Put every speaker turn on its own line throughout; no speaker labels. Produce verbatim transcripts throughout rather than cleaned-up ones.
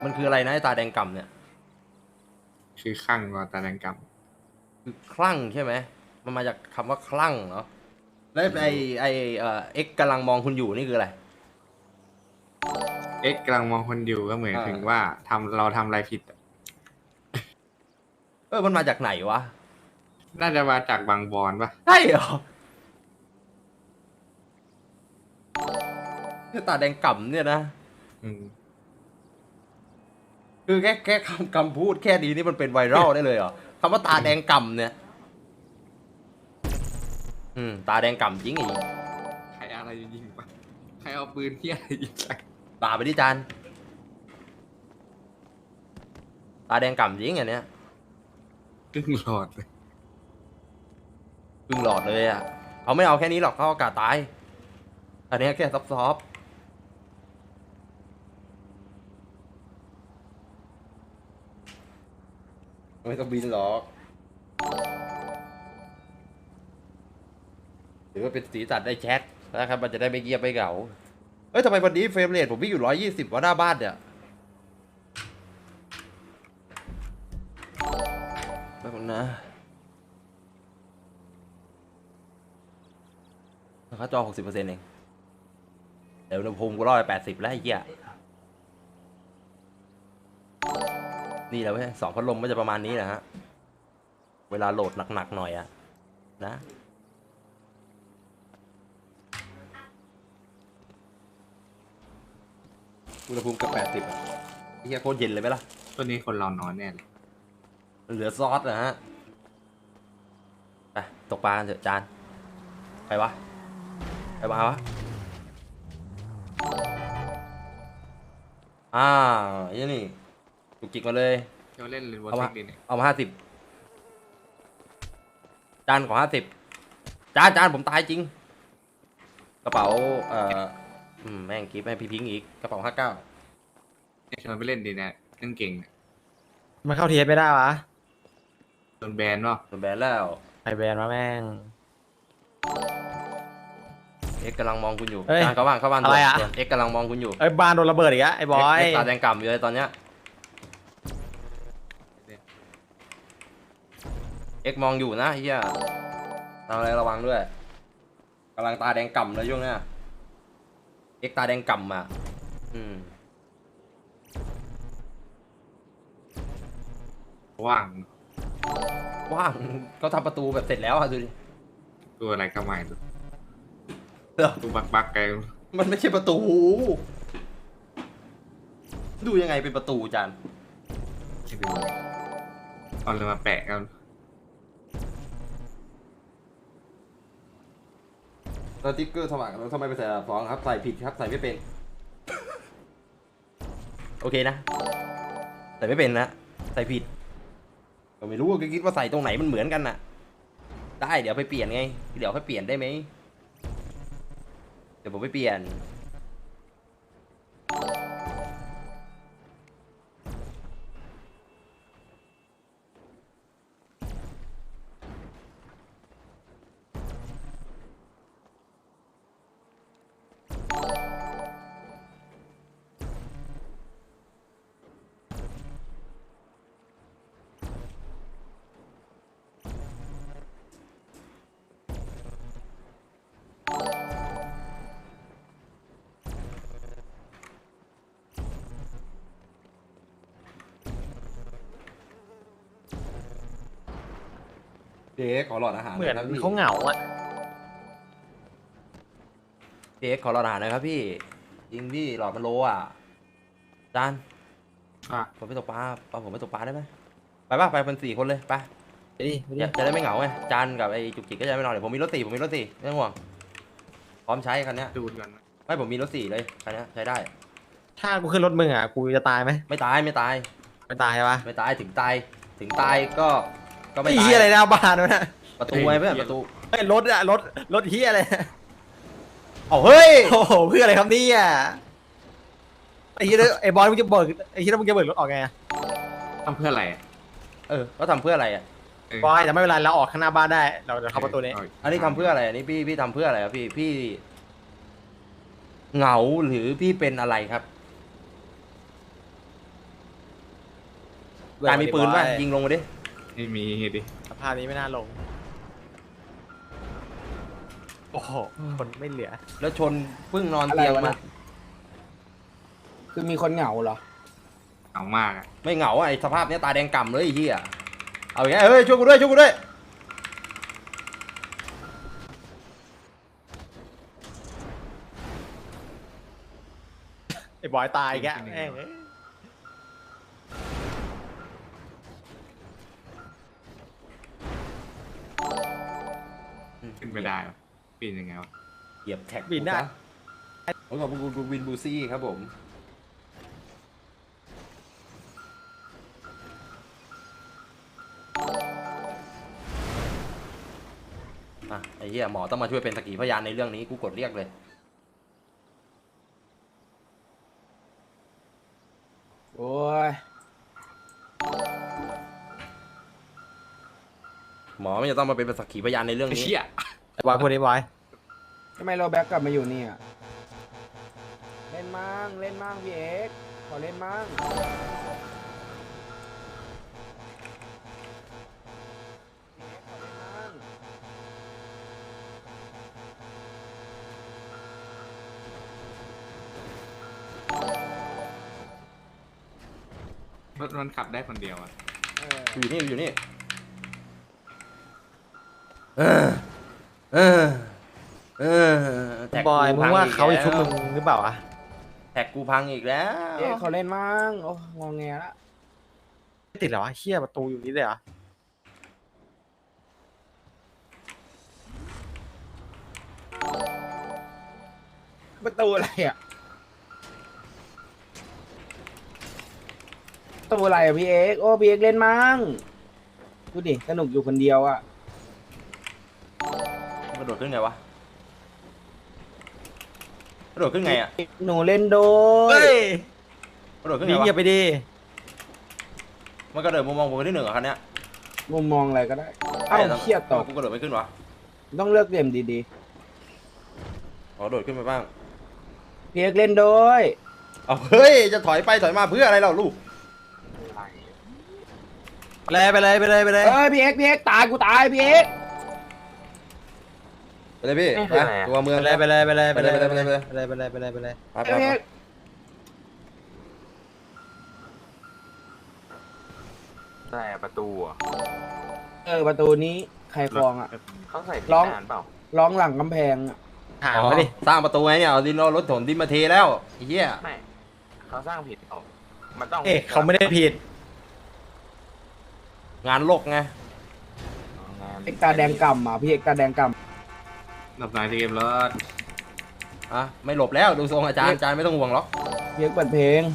มันคืออะไรนะไอ้ตาแดงก่ำเนี่ย
คือข้างว่าตาแดงก
คือคลั่งใช่ไหมมันมาจากคำว่าคลั่งเนาะแล้วไอไอเอ่อเอ็กกำลังมองคุณอยู่นี่คืออะไร
ำเอ็กกำลังมองคนอยู่ก็เหมือน
อ่า
ถึงว่าทำเราทำอะไรผิดอะ
เออมันมาจากไหนวะ
น่าจะมาจากบางบอนปะ
ใช่เหรอคือตาแดงก่ำเนี่ยนะ
อืม
คือแค่แค่คำคำพูดแค่นี้นี่มันเป็นไวรัลได้เลยเหรอคำว่าตาแดงก่ำเนี่ยอืมตาแดงก่ำจริงอีก
ใครอะไรยิงปะใครเอาปืนที่อะไรยิงใส่
ด่าไปดิจานตาแดงก่ำจริงอันเนี้ย
ครึ่งหลอดเลย
ครึ่งหลอดเลยอ่ะเขาไม่เอาแค่นี้หรอกเขาเอากาตายอันเนี้ยแค่ซอฟๆไม่ต้องบินหรอกหรือว่าเป็นสีสันได้แชทนะครับมันจะได้ไม่เงียบไม่เหงาเอ้ยทำไมวันนี้เฟรมเรทผมวิ่งอยู่ร้อยยี่สิบว่าหน้าบ้านเนี่ยแป๊บนึงนะค่าจอหกสิบเปอร์เซ็นต์เองเดี๋ยวอุณหภูมิกูร้อยแปดสิบแล้วไอ้เหี้ยนี่แหละเว้ยสองพัดลมก็จะประมาณนี้แหละฮะเวลาโหลดหนักๆหน่อยอะนะอุณหภูมิเกับแปดสิบอะไอ้เหี้ยโคตรเย็นเลยไหมล่ะ
ตัวนี้คนเรานอนแน่เลย
เหลือซอสนะฮะไปตกปลากันเถอะจานไปวะไปมาวะอ่าอย่างนี่จุกจิกมาเลย
เที่ยวเล่นเรนโบว์
เอา
เซ็
มา
กดีเนี่ย
เอามาห้าสิบจานขอห้าสิบจานจานผมตายจริงกระเป๋าเอ่ออืมแม่งกิฟต์ให้พี่พิงค์อีกกระเป๋าห้าเก้า
ชวนไปเล่นดีเนี่ยเล่นเก่งเนี่ย
มันเข้าเทียสไม่ได้วะ
โดนแบนป่ะ
โดนแบนแล้ว
ไอแบนมาแม่ง
เอ็กซ์กำลังมองคุณอยู่
เอ้ย
จานเข้าบ้านเข้าบ้าน
อะไรอะ
ด่วนเอ็กซ์กำลังมองคุณอยู่
ไอยบานโดนระเบิดอีกอะไอบอย
เอ็กซ์ตาแดงกล่ำอยู่เลยตอนเนี้ยเอ็กซ์มองอยู่นะเฮียทำอะไรระวังด้วยกำลังตาแดงก่ำเลยช่วงเนี้ยเอ็กซ์ตาแดงก่ำอ่ะอืม
ว่าง
ว่างเขาทำประตูแบบเสร็จแล้วอะดูดิ
ตัวอะไรก็ไม่รู้
เออ
ตัวบักบักไกล
มันไม่ใช่ประตู ดูยังไงเป็นประตูจาน
ไม่รู้เอาเลยมาแปะกัน
สติ๊กเกอร์สมัครแล้วทำไมไปใส่อันดับสองครับใส่ผิดครับใส่ไม่เป็น โอเคนะใส่ไม่เป็นนะใส่ผิดก็ไม่รู้ก็คิดว่าใส่ตรงไหนมันเหมือนกันน่ะ ได้เดี๋ยวไปเปลี่ยนไงเดี๋ยวค่อยเปลี่ยนได้ไหมเดี๋ยวผมไปเปลี่ยนเจ๊ขอหลอดอาหาร
เหมือน
ครับพี่
เขาเหงาอะ
เจ๊ขอหลอดอาหารหนะครับพี่จริงพี่หลอดมันโลอ่ะจาน
อ่ะ
ผมไปตกปลาเอาผมไปตกปลาได้ไหมไปป่ะไปเป็นสี่คนเลยไป
ไปดิไปดิ
จะจะได้ไม่เหงาไงจานกับไอ้จุกจิกก็จะไม่นอนเดี๋ยวผมมีรถสี่ผมมีรถสี่ไม่ต้องห่วงพร้อมใช้คันเนี้ย
ดูดก่อนนะ
ไม่ผมมีรถสี่เลยคันเนี้ยใช้ได้
ถ้ากูขึ้นรถมึงอะกูจะตายไหม
ไม่ตายไม่ตาย
ไม่ตายใช่ปะ
ไม่ตายถึงตายถึงตายก็ก็ไม่
ไอ้
ตาย
เฮียอะไรหน้าบ้านวะเนี่ย
ประตูไงเพื่อนประตู
ไอ้ยรถอะรถรถเฮียอะไร
เอาเฮ้ย
โอ้โหเพื่ออะไรครับเนี่ยไอ้เฮียไอ้บอยมึงจะเบิกไอ้เฮียมึงจะเบิกรถออกไงอะ
ทำเพื่ออะไรอะ
เออเขาทำเพื่ออะไรอ่ะ
เออบ
อยแต่ไม่เป็นไรเราออกข้างหน้าบ้านได้เราจะเข้าประตูนี้
า
อันนี้ทำเพื่ออะไรอันนี้พี่พี่ทำเพื่ออะไรครับพี่พี่เหงาหรือพี่เป็นอะไรครับจานมีปืนป่ะยิงลงมาดิ
ไม่มีดิ
สภาพนี้ไม่น่าลงโอ้โหคนไม่เหลือ
แล้วชนเพิ่งนอนเตียงมา
คือมีคนเหงาเหรอ
เอามากอ่ะ
ไม่เหงาอะไอ้สภาพเนี้ยตาแดงก่ำเลยไอ้เหี้ยเอาอย่างเงี้ยเฮ้ยช่วยกูด้วยช่วยกูด้วย
ไอ้บอยตายแกแม่ง
ขึ้นไม่ได้วะปีนยังไงวะ
เหยียบแท็ก
บินได้
ผมขอบคุณคุณวินบูซี่ครับผมอ่ะไอ้เหี้ยหมอต้องมาช่วยเป็นสักขีพยานในเรื่องนี้กูกดเรียกเลย
โอ้ย
หมอไม่จะต้องมาเป็นสักขีพยานในเรื่องนี้
เชี่ย
ไอ้บอยพูดไอ้บอย
ทำไมเราแบ็กกลับมาอยู่เนี่ย เล่นมั่งเล่นมั่งพี่เอกขอเล่นมั่งพี่เอกขอเล่นมั่ง
รถมันขับได้คนเดียวอ่ะ
เออ
อยู่นี่อยู่นี่เออเออเออแท็ก
บอย
กู
มึง
พั
ว่าเขา
อี
จะ
ก
ชุบ
แล้ว
มึงหรือเปล่าอะ
แท็กกูพังอีกแล้ว
พี่เอกขอเล่นมั่งโอ้งอแงละ
ไม่ติดเหรอวะเชี่ยประตูอยู่นี่เลยเหรอ
ประตูอะไรอ่ะประตูอะไรอ่ะพี่เอกโอ้พี่เอกเล่นมั่งดูดิสนุกอยู่คนเดียวอ่ะ
กระโดดขึ้นไงวะกระโดดขึ้นไงอ่ะ
หนูเล่นโด
เฮ้
ย
ย
กระโดดขึ้นไง
วิ่ง
วะ
อย่าไปดี
มันกระโดดมุมมองผมไปที่หนึ่งเหรอคันเนี้ย
มุมมองอะไรก็ได้เอ้า
แต่
เชี่ยตก
กูกระโดดไม่ขึ้นวะ
ต้องเลือกเหลี่ยมดี
ขอโดดขึ้นไปบ้าง
ๆพี่เอกเล่นโดย
เอาเฮ้ยจะถอยไปถอยมาเพื่ออะไรเราลูก
ไปเลยไปเลยไปเลยไปเลย
เอ้ยพี่เอกพี่เอกตายกูตายพี่เอก
ไปเลยพี่
เอ๊ะ
ไปตัวเมือง
ไปเลยไปเลยไปเลย
ไปเลยไปเลยไปเลย
ไปเลยไปเลยไปเลยไปเลย
ไปไป
พี่
ไป
เอก
ใช่ประตูอ่ะ
เออประตูนี้ใครคลองอ่ะ
เขาใส่ผิด
ร้อง
นานเปล่า
ร้องหลังกำแพงอ่ะ
หา
อ๋อ
มาดิ
สร้างประตูไงเนี่ยเอาดินเอารถถมดินมาเทแล้วไอ้เหี้ย
ไม่เขาสร้างผิดออกมันต้อง
เอ๊ะเขาไม่ได้ผิด
งานโลกไง
อ๋องาน
เอกตาแดงกำอ่ะพี่เอกตาแดงก
หลับนายเกมรถ
อ่ะไม่หลบแล้วดูทรงอาจารย์อาจารย์ไม่ต้องห่วงหรอก
ำพี่เอกเปิดเพลง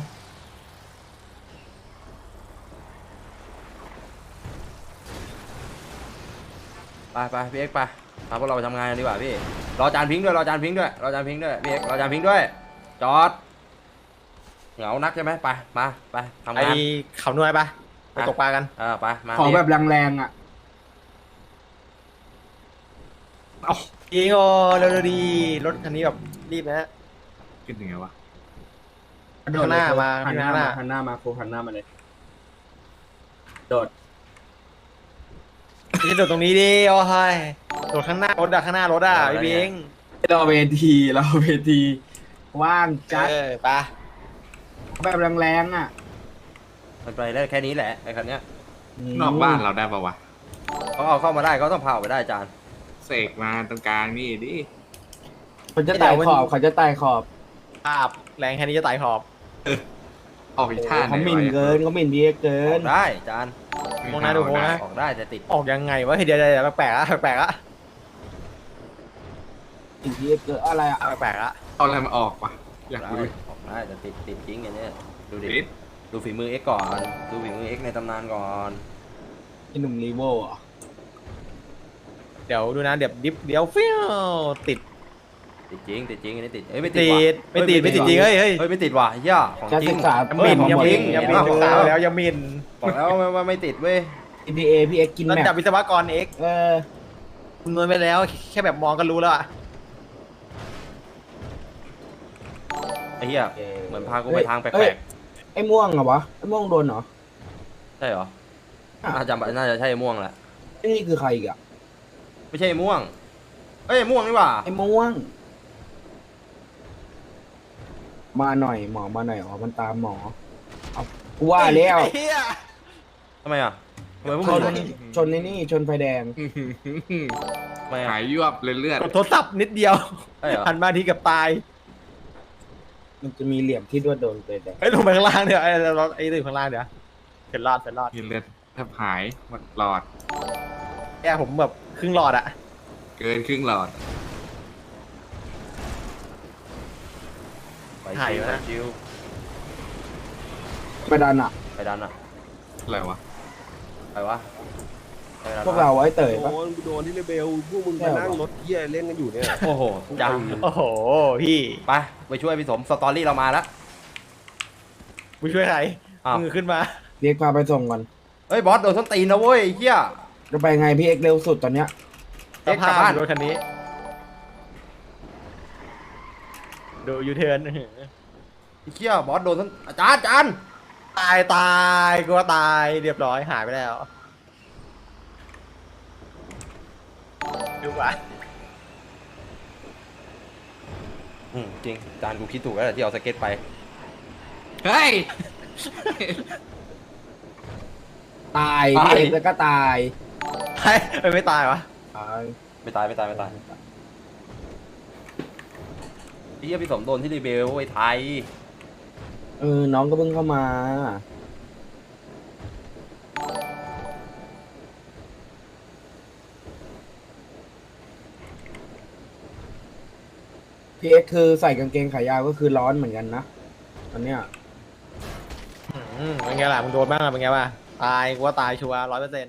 ไปไปพี่เอ็กซ์ไปพาพวกเราไปทำงานกันดีกว่าพี่รออาจารย์พิงค์ด้วยรออาจารย์พิงค์ด้วยรออาจารย์พิงค์ด้วยพี่เอ็กซ์รออาจารย์พิงค์ด้วยจอดเหงานักใช่ไหมไปมาไปทำ
ไอ้
งาน
เขาหน่วยปะไปตกปลากัน
เออไปมา
ขอ
พี่
แบบแรงๆอ่ะ
ยิงโอเร็วๆดีรถคันนี้แบบรีบนะ
ขึ้นยังไงวะ
ข้างหน้ามา
หันหน้า
ข้างห
มา
น้า
หันหน้ามาโคหันหน้ามาเลยโดด
จะโดดตรงนี้ดิโอ้ยโดดข้างหน้ารถอะข้างหน้ารถอะพี่บิง
เราเวทีเราเวทีว่างจัด
เออไป
แบบแรงๆอ่ะ
มันไปได้แค่นี้แหละไอ้คันเนี้ย
นอกบ้านเราได้ปะวะ
เขาเอาเข้ามาได้เขาต้องพาออกไปได้อาจารย์
เสกมาตรงกลางนี่ดิ
เขาจะไต่ขอบเขาจะไต่ขอบ
ภาพแรงแค่นี้จะไต่ขอบ
ออกอีกท่าไหน
เขาหมิ่นเกินเขาหมิ่นพี่เอกเกิ
ออน กได้อาจารย์
มองหน้าดูโค้งนะ
ออกได้แต่ติด
ออกยังไงวะเฮ้ยเดี๋ยวเดี๋ยวเดี๋ยวแปลกๆอะแปลกๆอะ
หมิ่นพี่เอกเกินอะไรอ่ะ
แปลกๆอะ
เอาอะไรมาออกวะอยาก
ได้
ดูดิ
ออกได้แต่ติดติดจริงอย่างเนี้ยดูดิ
ติด
ดูฝีมือเอ็กซ์ก่อนดูฝีมือเอ็กซ์ในตำนานก่อน
ไอ้หนุ่มรีโวอ่ะ
เดี๋ยวดูนะเดี๋ยวดิฟเดี๋ยวฟิวติด
ติดจริงติดจริงอันนี้ติดเอ้ยไม่ติ
ติ
ดว่ะ
ดไม่ติดไม่ติดจริงเฮ้ยเฮ้ย
เฮ้ยไม่ติดว่ะเหี้ย่ของ
การ
จริ
ศึ
ง
กษา
ยังมิน
ของ
ยัง
หมด
มินยังมิน
เห็นปะ
ศึกษาแล้วยังมิน
บอกแล้วว่าว่าไม่ติดเว้ย
อี พี เอ พี่เอกกิน
ระ
แม็ก
ดับวิศวกรเอ็ก
เออ
คุณนวลไปแล้วแค่แบบมองก็รู้แล้วอะ
ไอ้เหี้ยเหมือนพากูไปทางแป
เอ้
ล
ย
ก
ไอ้ม่วงเหรอวะไอ้ม่วงโดนเหรอ
ๆใช่เหรอ
อ่ะ
น่าจะน่าจะใช่ไอ้ม่วงแหละ
ไอ้นี่คือใครอีกอ่ะ
ไม่ใช่ไอ้ม่วงเอ้ยไอ้ม่วงนี่หว่า
ไอ้ม่วง มาหน่อยหมอมาหน่อยอ๋อมันตามหมอเอากูว่าแล้ว
ไอ้เหี้ย
ทำไมอ่ะทำไมพวก
ช
มึ
น
ง
ชนในนี่ชนไฟแดง
ทำไมอ่ะ
หายยวบเลยเลือด
กดโทรศัพท์นิดเดียว
ใช่เหรอ
หันมาทีกับตาย
มันจะมีเหลี่ยมที่ด้วยโดนไฟแดง
ไอ้ยลงไปข้างล่างเดี๋ยวไอ้รถไอ้ตื่นข้างล่างเดี๋ยวเสร็จรอดเสร็จรอด
เลือดแทบหายหมดหลอด
แกผมแบบครึ่งหลอดอะ
เกินครึ่งหลอด
ไปชิวไปชิว
ไปดันอ่ะ
ไปดันอ่ะ
อะไรวะ
ไปวะไปดัน
พวกเราไอ้เต๋ย
โด
ปะ
นโดนที่เรเบลพวกมึงมานั่งรถเที่ยเล่นกันอยู่เนี่ย
โอ้โหจัง
โอ้โหพี่
ไปไปช่วยพี่สมสตอรี่เรามาแล้ว
มึงช่วยใคร
อ้าว
มึงขึ้นมา
เรียกพาไปส่งก่อน
เฮ้ยบอสโดนส้นตีนนะเว้ยไอ้เฮีย
จะไปไงพี่เอ็กซ์เร็วสุดตอนเนี้ย
เอ็
ส
กซ์กลั
ภา
บ
พ
บ้าน
รถคันนี้ ดูยูเทิร์น
ไอ้เฮียบอสโดนส้นอาจารย์อาจารย์
ตายตายกูว่าตายเรียบร้อยหายไปแล้วดูวะ
อืมจริงอาจารย์กูคิดถูกแล้วแหละที่เอาสเก็ตไป
เฮ้ย
ตายพี่เอ็กซ์แล้วก็ตาย
ใช่ไม่ตายวะ
ตาย
ไม่ตายไม่ตายไม่ตายไอ้เฮียพี่สมโดนที่รีเบลไอ้ไทย
เออน้องก็เพิ่งเข้ามาพี่เอ็กซ์คือใส่กางเกงขายาวก็คือร้อนเหมือนกันนะตอนเนี้ย
อืมเป็นไงล่ะมึงโดนบ้างอะเป็นไงบ้างตายกูว่าตายชัวร์ร้อยเปอร์เซ็นต์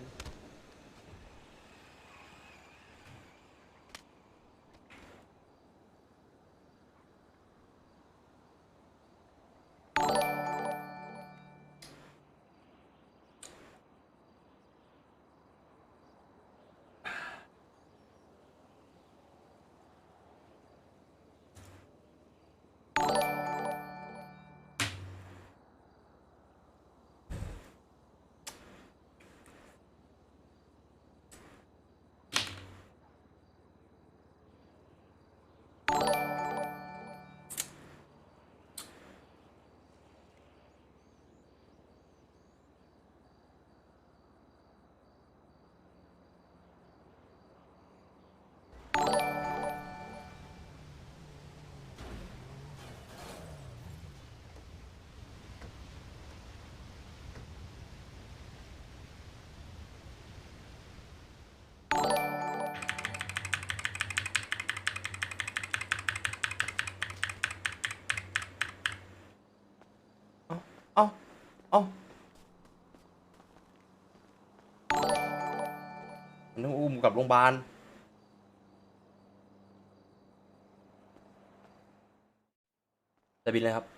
เอ้าเอ้ามันต้องอุ้มกลับโรงพยาบาลจะบินเลยครับ